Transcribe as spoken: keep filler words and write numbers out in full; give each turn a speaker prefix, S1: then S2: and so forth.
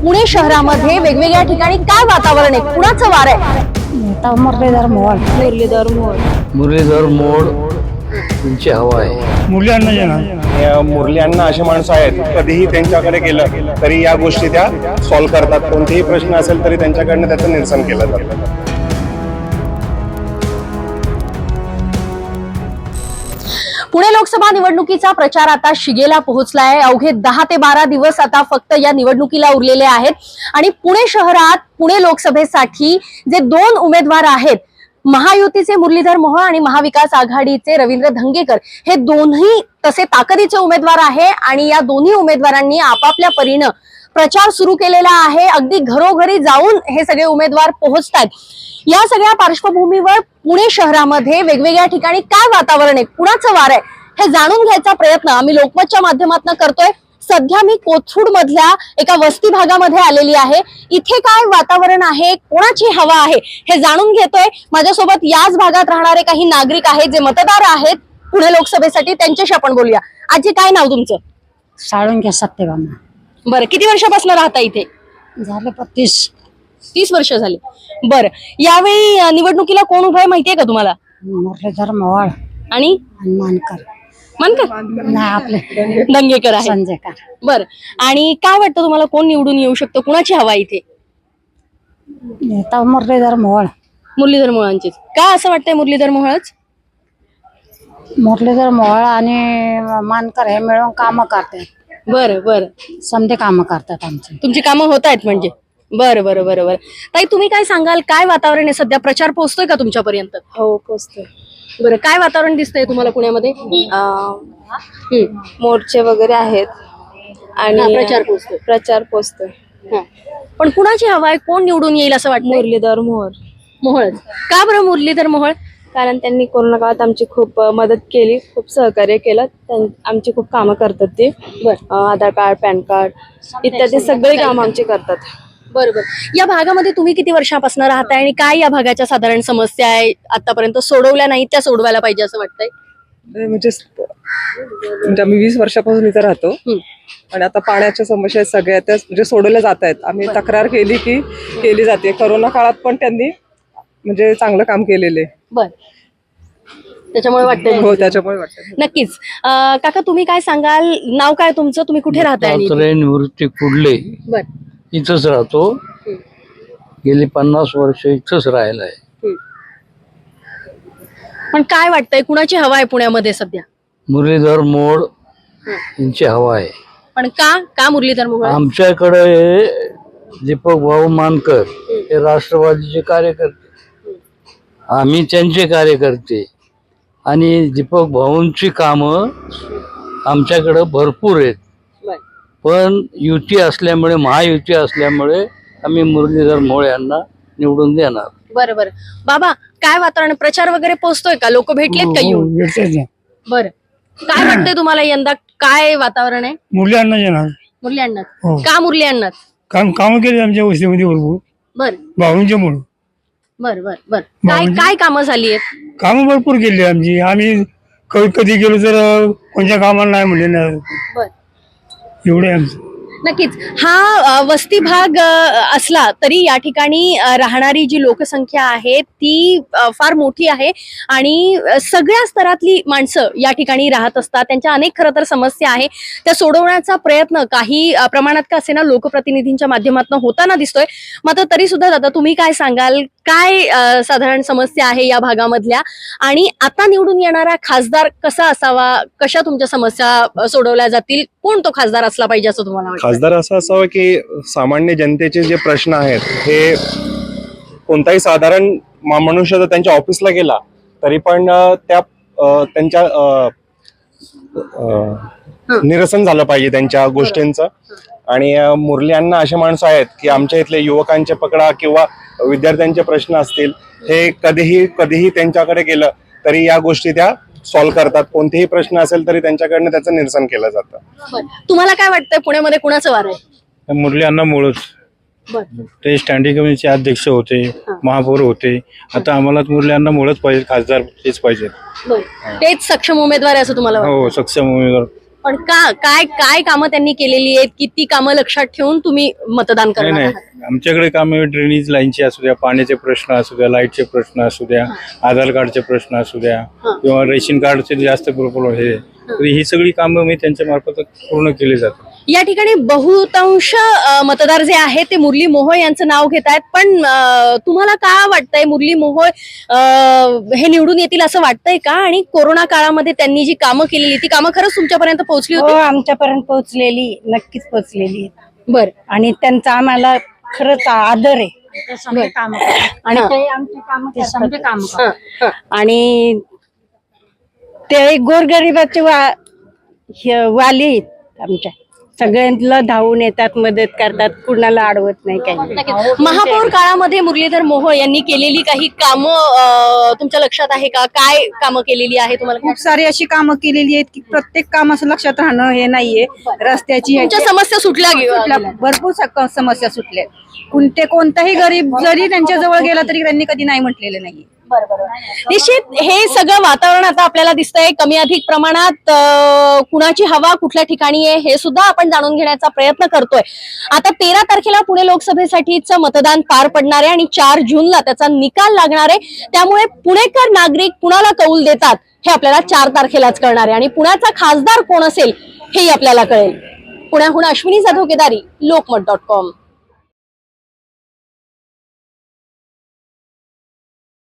S1: पुणे शहरामध्ये वेगवेगळ्या ठिकाणी काय वातावरण आहे, कुणाचं वार आहे?
S2: मुरलीधर मोहोळ मुरलीधर मोहोळ
S3: मुरलीधर मोहोळ यांची हवा आहे.
S4: मुरली अण्णा
S5: मुरली अण्णा असे माणसं आहेत, कधीही त्यांच्याकडे गेलं तरी या गोष्टी त्या सॉल्व्ह करतात. कोणतेही प्रश्न असेल तरी त्यांच्याकडनं त्याचं निरसन केलं जातं.
S1: पुणे लोकसभा निवडणुकीचा प्रचार आता शिगेला पोहोचलाय. अवघे दहा ते बारा दिवस आता फक्त या निवडणुकीला उरलेले आहेत आणि पुणे शहरात पुणे लोकसभेसाठी जे दोन उमेदवार आहेत, महायुतीचे मुरलीधर मोहोळ आणि महाविकास आघाडीचे रवींद्र धंगेकर, हे दोन्ही तसे ताकदीचे उमेदवार आहे आणि या दोन्ही उमेदवारांनी आपापल्या परीनं प्रचार सुरू केलेला आहे. अगदी घरोघरी जाऊन हे सगळे उमेदवार पोहोचतात. या सगळ्या पार्श्वभूमीवर पुणे शहरामध्ये वेगवेगळ्या ठिकाणी काय वातावरण आहे, कुणाचं वार आहे, हे जाणून घ्यायचा प्रयत्न आम्ही लोकमतच्या माध्यमातून करतोय. सध्या मी कोथरूड मधल्या एका वस्ती भागामध्ये आलेली आहे. इथे काय वातावरण आहे, कोणाची हवा आहे, हे जाणून घेतोय. माझ्यासोबत याच भागात राहणारे काही नागरिक आहेत जे मतदार आहेत पुणे लोकसभेसाठी. त्यांच्याशी आपण बोलूया. आजी, काय नाव तुमचं?
S2: साळुंके सत्यभामा.
S1: बरं, किती वर्षापासून राहता इथे?
S2: झाले पत्तीस
S1: तीस वर्ष झाली. बरं, यावेळी अं, निवडणुकीला कोण उभं आहे माहितीये का तुम्हाला?
S2: मुरलीधर मोहोळ
S1: आणि
S2: आणि मानकर
S1: मानकर
S2: नाही, आपले
S1: दंगेकर आहे.
S2: संजयकर.
S1: बरं, आणि काय वाटतं तुम्हाला, कोण निवडून येऊ शकतो, कुणाची हवा इथे?
S2: नेता मुरलीधर मोहोळ
S1: मुरलीधर मोहोळांचीच. का असं वाटतंय मुरलीधर मोहोळच?
S2: मुरलीधर मोहोळ आणि मानकर हे मिळून कामं करतात.
S1: बरं बरं,
S2: समजे कामं करतात आमची.
S1: तुमची कामं होत आहेत म्हणजे? बरं बरं बरं बरं. ताई, तुम्ही काय सांगाल, काय वातावरण आहे सध्या? प्रचार पोहोचतोय का तुमच्यापर्यंत?
S6: हो, पोचतोय.
S1: बरं, काय वातावरण दिसतंय तुम्हाला पुण्यामध्ये? हम्म.
S6: मोर्चे वगैरे आहेत
S1: हा,
S6: आणि
S1: प्रचार पोहोचतोय.
S6: प्रचार पोचतोय.
S1: हा. पण कुणाची हवा आहे, कोण निवडून येईल असं वाटतं?
S6: मुरलीधर मोहोळ,
S1: मोहोळच. का बरं मुरलीधर मोहोळ?
S6: कारण त्यांनी कोरोना काळात आमची खूप अ, मदत केली, खूप सहकार्य केलं. त्यां- आमची खूप कामं करतात ते.
S1: बरं
S6: अ, आधार कार्ड, पॅन कार्ड इत्यादी सगळी कामं आमची करतात.
S1: बरोबर. या भागामध्ये तुम्ही किती वर्षापासून राहताय आणि काय या भागाच्या साधारण समस्या आहे आतापर्यंत सोडवल्या नाहीत, त्या सोडवायला पाहिजे असं वाटतंय?
S7: म्हणजे म्हणजे आम्ही वीस वर्षापासून इथे राहतो
S1: हम्म.
S7: आणि आता पाण्याच्या समस्या आहेत सगळ्या, त्या म्हणजे सोडवल्या जात आहेत. आम्ही तक्रार केली की केली जाते. कोरोना काळात पण त्यांनी म्हणजे चांगलं काम केलेले.
S1: बर, त्याच्यामुळे वाटतंय.
S7: हो, त्याच्यामुळे वाटतं.
S1: नक्कीच. अं, काका, तुम्ही काय सांगाल, नाव काय तुमचं, तुम्ही कुठे राहताय? आणि
S3: दत्तात्रय निवृत्ती कुडले,
S1: बर.
S3: इथंच राहतो. गेली पन्नास वर्ष इथंच राहिलाय.
S1: पण काय वाटतंय, कुणाची हवा आहे पुण्यामध्ये सध्या?
S3: मुरलीधर मोहोळ यांची हवा आहे.
S1: पण का का मुरलीधर मोहोळ?
S3: आमच्याकडे दीपक भाऊ मानकर हे राष्ट्रवादीचे कार्यकर्ते, आम्ही त्यांचे कार्यकर्ते, आणि दीपक भाऊंची कामं आमच्याकडे भरपूर आहेत.
S1: बर.
S3: पण युती असल्यामुळे, महायुती असल्यामुळे आम्ही मुरलीधर मोहोळ यांना निवडून देणार.
S1: बरं बरं. बाबा, काय वातावरण, प्रचार वगैरे पोहोचतोय का, लोक भेटलेत का येऊन? बरं, काय वाटतंय तुम्हाला, यंदा काय वातावरण आहे?
S4: मुरली अण्णा येणार.
S1: मुरली अण्णात.
S4: हो.
S1: का मुरली अण्णात?
S4: काम कामं केले आमच्या वस्तीमध्ये भरपूर,
S1: बर
S4: भाऊंच्या मुळे.
S1: बर बर बर. काय काय कामं झाली आहेत?
S4: कामं भरपूर केली आमची. आम्ही क- कधी गेलो तर अं, कोणत्या कामाला नाही म्हणले नाही,
S1: बर,
S4: एवढे आमचं.
S1: नक्कीच. हा अ, वस्ती भाग अ, असला तरी या ठिकाणी अ, राहणारी जी लोकसंख्या आहे ती अ, फार मोठी आहे आणि अ, सगळ्या स्तरातली माणसं या ठिकाणी राहत असतात. त्यांच्या अनेक खरं तर समस्या आहे, त्या सोडवण्याचा प्रयत्न काही अ, प्रमाणात का असेना लोकप्रतिनिधींच्या माध्यमातून होताना दिसतोय. मात्र तरी सुद्धा दादा, तुम्ही काय सांगाल, काय अ, साधारण समस्या आहे या भागामधल्या, आणि आता निवडून येणारा खासदार कसा असावा, कशा तुमच्या समस्या अ, सोडवल्या जातील, कोण तो खासदार असला पाहिजे असं तुम्हाला वाटतं?
S5: खासदार असं असावं की सामान्य जनतेचे जे प्रश्न आहेत, हे कोणताही साधारण मा- मनुष्य जर त्यांच्या ऑफिसला गेला तरी पण अ, त्या अ, त्यांच्या अ, अ, निरसन झालं पाहिजे त्यांच्या गोष्टींचं. आणि अ, मुरली अण्णा असे माणसं आहेत की आमच्या इथले युवकांचे पकडा किंवा विद्यार्थ्यांचे प्रश्न असतील, हे कधीही कधीही त्यांच्याकडे गेलं तरी या गोष्टी त्या सॉल्व्ह करतात. कोणतेही प्रश्न असेल तरी त्यांच्याकडनं त्याचं निरसन केलं जातं.
S1: बरं. तुम्हाला काय वाटतंय, पुण्यामध्ये कुणाचं वार आहे?
S4: मुरली अण्णा मोहोळच.
S1: बरं.
S4: ते स्टँडिंग कमिटीचे अध्यक्ष होते, महापौर होते. आता आम्हाला मुरली अण्णा मोहोळच पाहिजे, खासदार तेच पाहिजे.
S1: बरं, तेच सक्षम उमेदवार आहे असं तुम्हाला वाटतं?
S4: हो, सक्षम उमेदवार
S1: पण का काय काय कामं त्यांनी केलेली आहेत, किती कामं लक्षात ठेवून तुम्ही मतदान
S8: नाही
S1: करणार
S8: नाही
S1: आहात?
S8: आमच्याकडे कामे ड्रेनेज लाईनचे असू द्या, पाण्याचे प्रश्न असू द्या, लाईटचे प्रश्न असू द्या, आधार कार्डचे प्रश्न असू द्या किंवा रेशन कार्डचे जास्त प्रॉब्लेम हे तर ही सगळी कामं मी त्यांच्या मार्फत पूर्ण केली जातात.
S1: या ठिकाणी बहुतांश अ, मतदार जे आहेत ते मुरली मोहोळ यांचं नाव घेत आहेत, पण अ, तुम्हाला काय वाटतंय मुरली मोहोळ अ, हे निवडून येतील असं वाटतंय का? आणि कोरोना काळामध्ये त्यांनी जी कामं केलेली ती कामं खरंच तुमच्यापर्यंत पोहोचली
S2: हो
S1: होती?
S2: आमच्यापर्यंत पोहोचलेली नक्कीच पोहोचलेली आहे.
S1: बर
S2: आणि त्यांचा आम्हाला खरंच आदर आहे. आणि
S1: हा.
S2: ते आमचे काम काम
S1: हा, हा.
S2: आणि ते गोरगरिबाचे वा हे वाली आहेत आमच्या, सगळ्यांना धावून येतात, मदत करतात, कुणाला अडवत नाही काही.
S1: नक्कीच. महापौर काळामध्ये मुरलीधर मोहोळ यांनी केलेली काही कामं अ, तुमच्या लक्षात आहे का? काय कामं केलेली आहे तुम्हाला?
S9: खूप सारी अशी कामं केलेली आहेत की प्रत्येक काम असं लक्षात राहणं हे नाहीये. रस्त्याची
S1: तुमच्या
S9: ह्याची-
S1: समस्या सुटल्या
S9: सुटल्या,
S1: गेल्या?
S9: भरपूर सक- समस्या सुटल्या. कोणते कोणताही गरीब जरी त्यांच्या जवळ गेला तरी त्यांनी कधी नाही म्हटलेलं नाहीये.
S1: निश्चित हे सगळं वातावरण आता आपल्याला दिसतंय कमी अधिक प्रमाणात अ, कुणाची हवा कुठल्या ठिकाणी आहे हे सुद्धा आपण जाणून घेण्याचा प्रयत्न करतोय. आता तेरा तारखेला पुणे लोकसभेसाठीचं मतदान पार पडणार आहे आणि चार जूनला त्याचा निकाल लागणार आहे. त्यामुळे पुणेकर नागरिक कुणाला कौल देतात हे आपल्याला चार तारखेलाच कळणार आहे आणि पुण्याचा खासदार कोण असेल हेही आपल्याला कळेल. पुण्याहून अश्विनी जाधव केदारी, लोकमत डॉट कॉम.